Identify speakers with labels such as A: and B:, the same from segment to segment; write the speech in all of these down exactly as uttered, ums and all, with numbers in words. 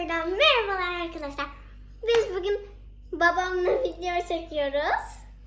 A: Tekrardan merhabalar arkadaşlar. Biz bugün babamla video çekiyoruz.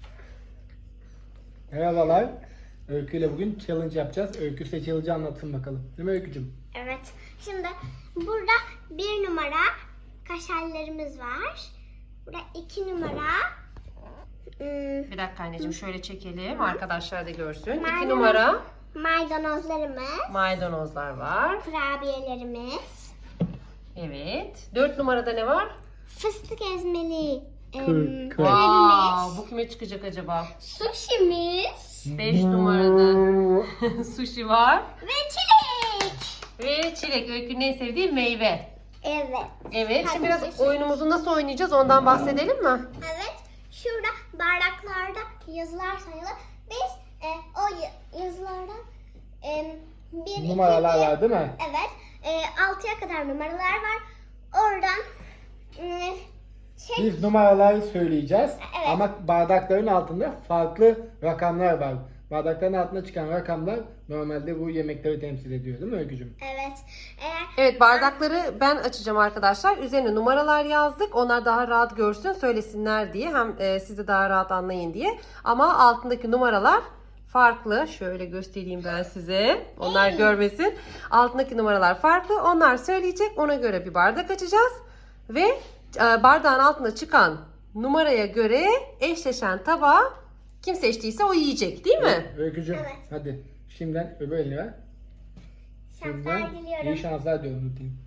B: Merhabalar. Öykü ile bugün challenge yapacağız. Öykü size challenge'ı anlatsın bakalım. Değil mi Öykücüğüm?
A: Evet. Şimdi burada bir numara kaşarlarımız var. Burada iki numara. Hmm,
C: Bir dakika anneciğim şöyle çekelim. Arkadaşlar da görsün.
A: Maydanoz.
C: İki numara
A: maydanozlarımız.
C: maydanozlar var.
A: Kurabiyelerimiz.
C: Evet. Dört numarada ne var?
A: Fıstık ezmeli. em,
B: Kır- kır.
A: Köremiz.
C: Wow, bu kime çıkacak acaba?
A: Sushimiz.
C: Beş numarada sushi var.
A: Ve çilek.
C: Ve çilek. Öykünün en sevdiği meyve.
A: Evet.
C: Evet.
A: Hadi
C: Şimdi biraz
A: sushi.
C: oyunumuzu nasıl oynayacağız ondan bahsedelim mi?
A: Evet. Şurada bardaklarda yazılar sayılı. Biz e, o y- yazılardan e, bir,
B: Numaralar
A: iki,
B: var değil mi?
A: Evet. E, altıya kadar numaralar var. Oradan e, çek.
B: Biz numaraları söyleyeceğiz.
A: Evet.
B: Ama bardakların altında farklı rakamlar var. Bardakların altında çıkan rakamlar normalde bu yemekleri temsil ediyor değil mi Öykücüğüm?
A: Evet. Eğer
C: Evet, bardakları ben açacağım arkadaşlar. Üzerine numaralar yazdık. Onlar daha rahat görsün, söylesinler diye. Hem e, siz de daha rahat anlayın diye. Ama altındaki numaralar farklı. Şöyle göstereyim ben size. Onlar görmesin. Altındaki numaralar farklı. Onlar söyleyecek. Ona göre bir bardak açacağız. Ve e, bardağın altında çıkan numaraya göre eşleşen tabağı kim seçtiyse o yiyecek, değil mi?
B: Öykücüğüm
A: Evet.
B: hadi şimdiden öbür elini ver.
A: şanslar
B: Şimdiden
A: diliyorum.
B: iyi şanslar diyorum unutayım.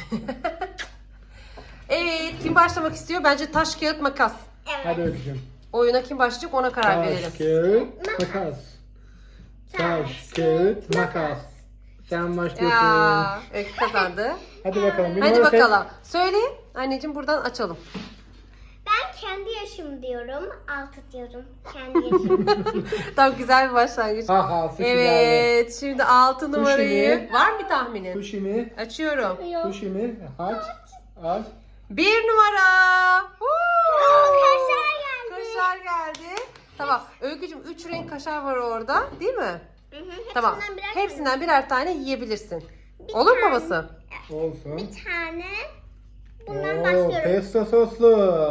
C: Evet, kim başlamak istiyor? Bence taş, kağıt, makas.
A: Evet.
B: Hadi Öykücüğüm.
C: Oyuna kim başlayacak ona karar verelim.
B: Taş, kağıt, makas. Taş, kağıt, makas. Sen başlıyorsun.
C: Ya, Öykü kazandı.
B: Hadi bakalım. bir
C: Hadi
B: numara seç.
C: bakalım. Söyle. Anneciğim buradan açalım.
A: Ben kendi yaşım diyorum. Altı diyorum. Kendi yaşım.
C: Tam güzel bir başlangıç.
B: Ha ha sushi geldi.
C: Evet. Şimdi altı numarayı.
B: mi?
C: Var mı bir tahminin?
B: Sushi mi?
C: Açıyorum.
A: Yok.
B: Sushi mi? Aç. Aç.
C: Bir numara. Woo!
A: Kaşar geldi.
C: Kaşar geldi. Tamam. Öykücüğüm üç renk kaşar var orada. Değil mi?
A: Hı hı,
C: Tamam.
A: hepsinden birer
C: Hepsinden birer tane yiyebilirsin.
A: Bir
C: Olur mu
A: tane.
C: babası?
B: Olsun.
A: Bir tane. Bundan
B: Oo,
A: başlıyorum.
B: pesto soslu.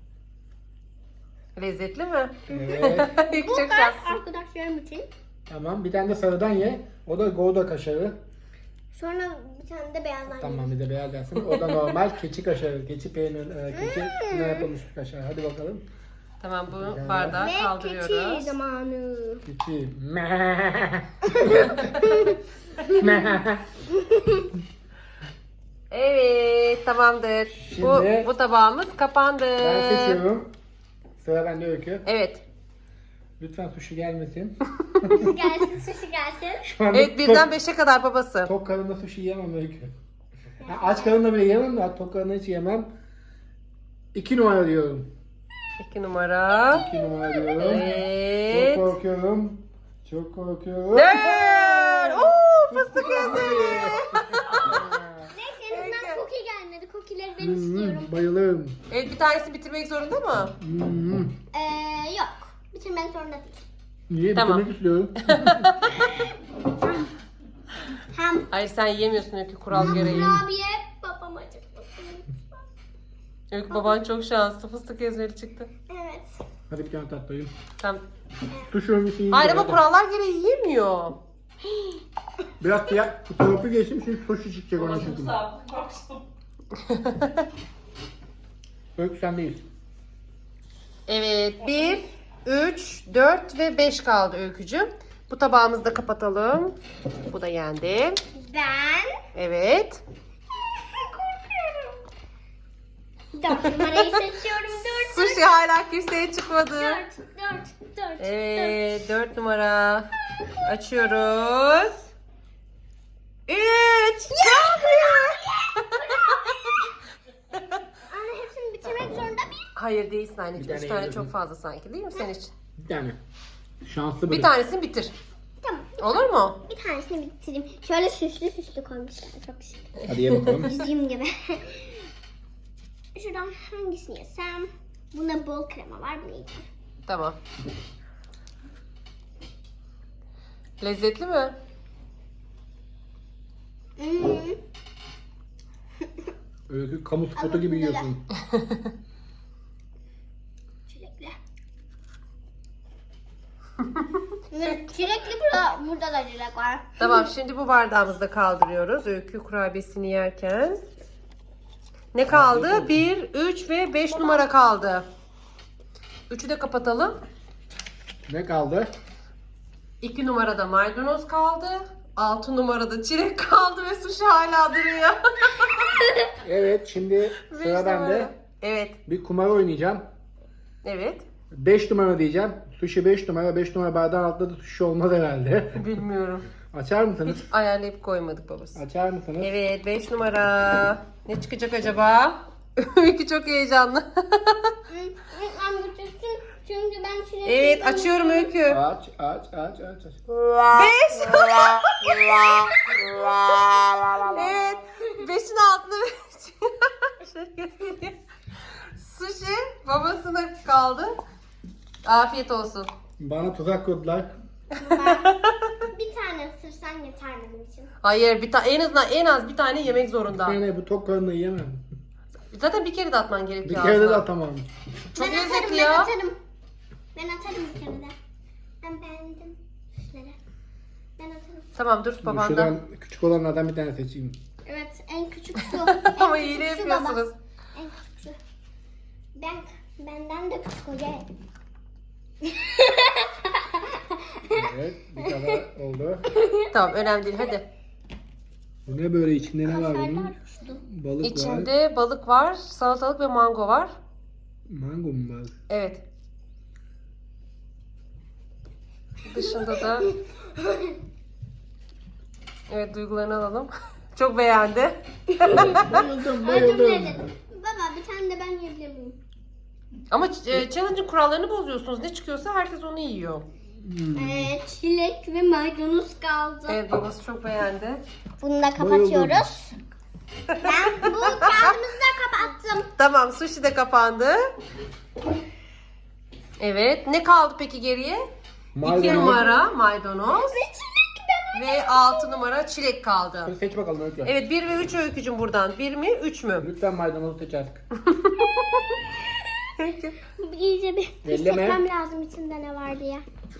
C: Lezzetli mi?
B: Evet.
C: Öykü
A: Bu
C: çok
A: da
C: şanslısın.
A: arkadaşlarım için.
B: Tamam. Bir tane de sarıdan ye. O da Gouda kaşarı.
A: Sonra bir tane de beyazdan
B: Tamam bir de beyaz gelsin. O da normal keçi kaşarı. Keçi peynir, e, keçi ne yapılmış bir kaşar. Hadi bakalım.
C: Tamam, bu
B: Güzel.
C: bardağı
A: Ve keçi
C: kaldırıyoruz.
A: zamanı.
B: Keçi.
C: Evet, tamamdır. Bu,
B: Şimdi-
C: bu tabağımız kapandı.
B: Ben seçiyorum. Sıra bende Öykü.
C: Evet.
B: Lütfen sushi gelmesin.
A: Sushi gelsin, sushi gelsin.
B: Şu anda
C: Evet, birden
B: tok,
C: beşe kadar babası.
B: tok karnında sushi yiyemem Öykü. Ya aç karnında bile yiyemem de tok karnında hiç yemem. İki numara diyorum.
C: İki numara.
B: İki numara diyorum.
C: Evet.
B: Çok korkuyorum. Çok korkuyorum.
C: Dört. Oo, fıstık ezmeli.
A: Neyse en azından cookie gelmedi. Cookie'leri ben
B: Hmm,
A: istiyorum.
B: bayılırım.
C: Evet, bir tanesi bitirmek zorunda mı?
B: Hmm.
A: Ee, yok. Bitirmek zorunda değil.
B: Niye?
C: Tamam.
B: Bitirmek istiyorum.
A: Hem
C: Hayır, sen yiyemiyorsun Öykü, kural gereği.
A: kurabiye babam acıkmasın.
C: Öykü, baban çok şanslı, fıstık ezmeli çıktı.
A: Evet.
B: Hadi bir tane tatlayayım.
C: Tamam.
B: Sushi örgüsü yiyeyim.
C: Hayır
B: de
C: ama
B: hadi.
C: kurallar gereği yiyemiyor.
B: Biraz diğer fotoğrafı geçtim şimdi sushi çıkacak ona çünkü. Öykü sendeyiz.
C: Evet, bir, üç, dört ve beş kaldı Öykücüğüm. Bu tabağımızı da kapatalım. Bu da yendi.
A: Ben
C: Evet.
A: korkuyorum. Dört numarayı seçiyorum. Dört.
C: Sushi hala kimseye çıkmadı.
A: Dört. Dört. Dört.
C: Evet, dört numara. Açıyoruz. Üç.
A: Anne hepsini bitirmek zorunda mıyım?
C: Hayır, değilsin anneciğim.
B: Bir
C: Üç
B: tane
C: tane
B: yedim.
C: çok fazla sanki, değil mi senin için?
B: Bir tane. Şanslı
C: Bir
B: biri.
C: tanesini bitir.
A: Tamam.
C: Olur mu?
A: Bir tanesini bitireyim. Şöyle süslü süslü koymuşlar. Çok şık.
B: Hadi ye bakalım.
A: Bizim gibi. Şuradan hangisini yesem? Bunda bol krema var. Bunu yiyeceğim.
C: Tamam. Lezzetli mi?
A: Hmm.
B: Öykü kamu spotu
A: Ama
B: gibi
A: bunlar-
B: yiyorsun.
A: Çilekli. Çilekli burada, burada da çilek var.
C: Tamam, şimdi bu bardağımızda kaldırıyoruz. Öykü kurabiyesini yerken. Ne kaldı? bir, üç ve beş numara kaldı. üçü de kapatalım.
B: Ne kaldı?
C: iki numarada maydanoz kaldı. altı numarada çilek kaldı ve sushi hala duruyor.
B: Evet, şimdi
C: Beş
B: sıra bende.
C: numara. Evet.
B: Bir kumar oynayacağım.
C: Evet.
B: beş numara diyeceğim. Sushi beş numara. beş numara bardağın altında da sushi olmaz herhalde.
C: Bilmiyorum.
B: Açar mısınız?
C: Hiç ayarlayıp koymadık babası.
B: Açar mısınız?
C: Evet, beş numara. Ne çıkacak acaba? Öykü çok heyecanlı.
A: Ben götürsün çünkü ben çilekli.
C: Evet, açıyorum Öykü.
B: Aç, aç, aç, aç, aç.
C: beş. Evet. beşin altında şöyle göstereyim. Sushi babasına kaldı. Afiyet olsun.
B: Bana tuzak kurdular.
A: Bir tane ısırsan yeter benim için.
C: Hayır, bir ta en azından en az bir tane yemek zorunda.
B: Yani bu tok karnına yiyemem.
C: Zaten bir kere de atman
B: Bir
C: gerekiyor
B: kere de
C: aslında.
B: atamam.
C: Çok
A: ben
C: lezzetli
A: atarım,
C: ya.
A: Ben atarım. Ben atarım bir kere de. Ben beğendim. Şunları. Ben atarım.
C: Tamam, dur babanda.
B: Şuradan küçük olanlardan bir tane seçeyim.
A: Evet en küçük şu.
C: Ama
A: En
C: hile
A: küçük şu baba.
C: yapıyorsunuz.
A: En küçük şu. Ben, benden de küçük hoca.
B: Evet, bir kadar oldu.
C: Tamam, önemli değil, hadi.
B: Bu ne böyle, içinde ne var bunun?
A: Kaşarlar uçtu.
B: Balık var.
C: İçinde balık var, salatalık ve mango var.
B: Mango mu var?
C: Evet. Dışında da evet, duygularını alalım. Çok beğendi.
B: Bayıldım,
A: Acım
B: bayıldım.
A: nedir? Baba bir tane de ben yiyebilir miyim?
C: Ama e, challenge'ın kurallarını bozuyorsunuz. Ne çıkıyorsa herkes onu yiyor.
B: Hmm.
A: Ee, çilek ve maydanoz kaldı.
C: Evet, babası çok beğendi.
A: Bunu da kapatıyoruz. Ben bu kağıdımızı da kapattım.
C: Tamam, sushi de kapandı. Evet, ne kaldı peki geriye? iki
B: Maydanoz.
C: numara maydanoz
A: Ve çilek ben
C: ve altı numara çilek kaldı.
B: Hadi seç bakalım Öykü.
C: Evet, bir ve üç Öykücüm buradan. bir mi, üç mü?
B: Lütfen maydanozu seç artık.
A: iyice bir
B: Elleme.
A: hissetmem lazım içinde ne var diye.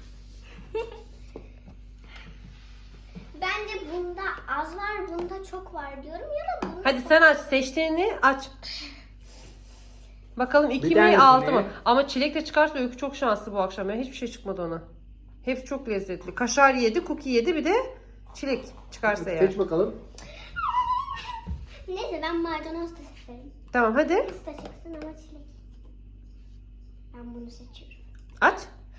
A: Bence bunda az var, bunda çok var diyorum ya da bunda
C: Hadi sen aç, seçtiğini aç. Bakalım iki mi,
B: tanesini.
C: altı mı? Ama çilek de çıkarsa Öykü çok şanslı bu akşam. Ya. Hiçbir şey çıkmadı ona. Hepsi çok lezzetli. Kaşar yedi, cookie yedi, bir de çilek çıkarsa eğer.
B: Seç bakalım.
A: Neyse ben maydanoz da seçerim.
C: Tamam, hadi
A: Kız da çıksın ama çilek. Ben bunu seçiyorum.
C: aç.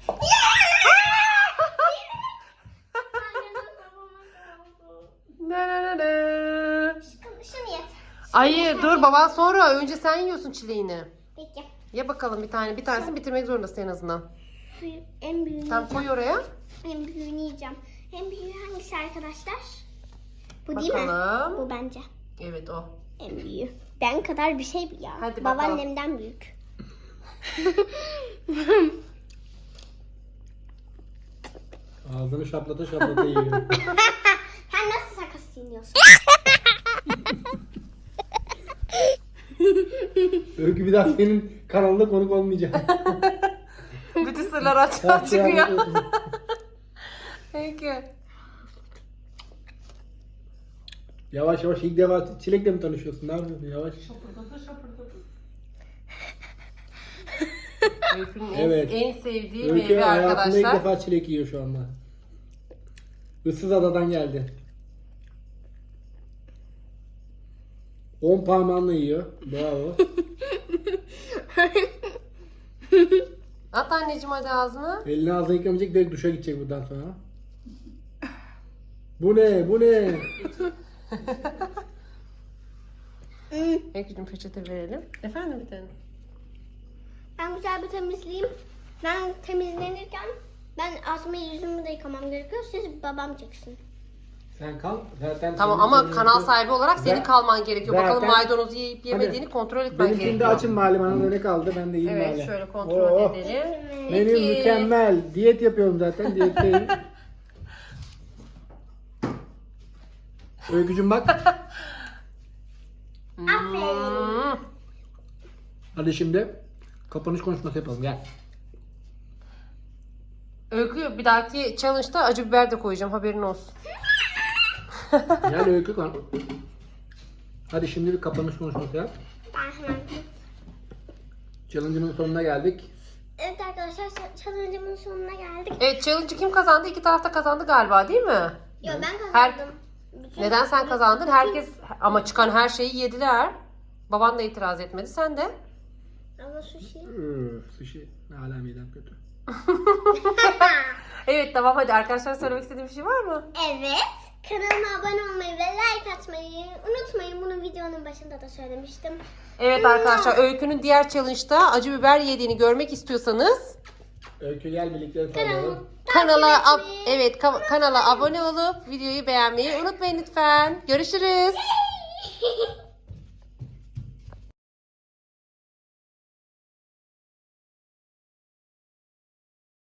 C: Ne ne ne ne.
A: Şunu yet.
C: Hayır, dur baban sonra. Önce sen yiyorsun çileğini.
A: Peki.
C: Ye bakalım bir tane. Bir tanesini bitirmek zorundasın en azından.
A: Büyük, en büyüğünü
C: Tamam,
A: yiyeceğim.
C: koy oraya.
A: En büyüğünü yiyeceğim. En büyüğü hangisi arkadaşlar? Bu değil mi?
C: Bakalım.
A: Bu bence.
C: Evet, o.
A: En büyüğü. Ben kadar bir şey bu ya.
C: Hadi bakalım.
A: Babaannemden büyük.
B: Ağzını şaplata şaplata yiyor.
A: Sen nasıl sakız çiğniyorsun?
B: Öykü bir daha senin kanalında konuk olmayacak.
C: Bütün sırlar açığa çıkıyor. Peki.
B: Yavaş yavaş ilk defa çilekle mi tanışıyorsun? Ne yapıyorsun yavaş?
C: Öykü'nün en-
B: Evet.
C: en, sevdiği
B: Öykü
C: meyve
B: hayatında ilk
C: arkadaşlar.
B: defa çilek yiyor şu anda. Issız adadan geldi. On parmağınla yiyor. Bravo.
C: At anneciğim hadi ağzına.
B: Elini ağzına yıkamayacak, direkt duşa gidecek buradan sonra. Bu ne? Bu ne?
C: Öykü'cüğüm peçete verelim. Efendim bir tane.
A: Ben güzel bir temizleyeyim. Ben temizlenirken ben ağzımı yüzümü de yıkamam gerekiyor. Siz babam çeksin.
B: Sen kal. Zaten
C: Tamam
B: senin-
C: ama
B: senin-
C: kanal sahibi olarak senin
B: Ben-
C: kalman gerekiyor.
B: zaten-
C: Bakalım maydanozu yiyip yemediğini
B: Hadi.
C: kontrol etmen
B: Benimkini de
C: gerekiyor.
B: açın mali, bana da ne kaldı, ben de yiyeyim
C: Evet,
B: mali.
C: şöyle kontrol
B: Oh,
C: edelim.
B: Menü
C: Peki.
B: mükemmel. Diyet yapıyorum zaten, diyetteyim.
C: Hmm.
B: Öykücüm bak.
A: Aferin.
B: Hadi şimdi kapanış konuşması yapalım. Gel.
C: Öykü bir dahaki challenge'da acı biber de koyacağım, haberin olsun.
B: Gel Öykü kan. Hadi şimdi bir kapanış konuşması yap.
A: Ben hemen.
B: Challenge'ın sonuna geldik.
A: Evet arkadaşlar challenge'ımın sonuna geldik.
C: Evet, challenge'ı kim kazandı? İki tarafta kazandı galiba, değil mi?
A: Yo ben
C: Her-
A: kazandım. Bütün-
C: Neden sen kazandın?
A: bütün-
C: Herkes ama çıkan her şeyi yediler. Baban da itiraz etmedi, sen de.
A: Ama sushi.
B: Üf, sushi. Hala midem kötü.
C: Evet tamam, hadi arkadaşlar söylemek istediğim bir şey var mı?
A: Evet. Kanalıma abone olmayı ve like atmayı unutmayın. Bunu videonun başında da söylemiştim.
C: Evet arkadaşlar, Öykü'nün diğer challenge'da acı biber yediğini görmek istiyorsanız
B: Öykü gel birlikte
A: Kanalımı
B: sallayalım.
C: kanala ab-
A: takip etmeyi
C: evet ka- kanala abone olup videoyu beğenmeyi unutmayın lütfen. Görüşürüz.
A: unutmayın.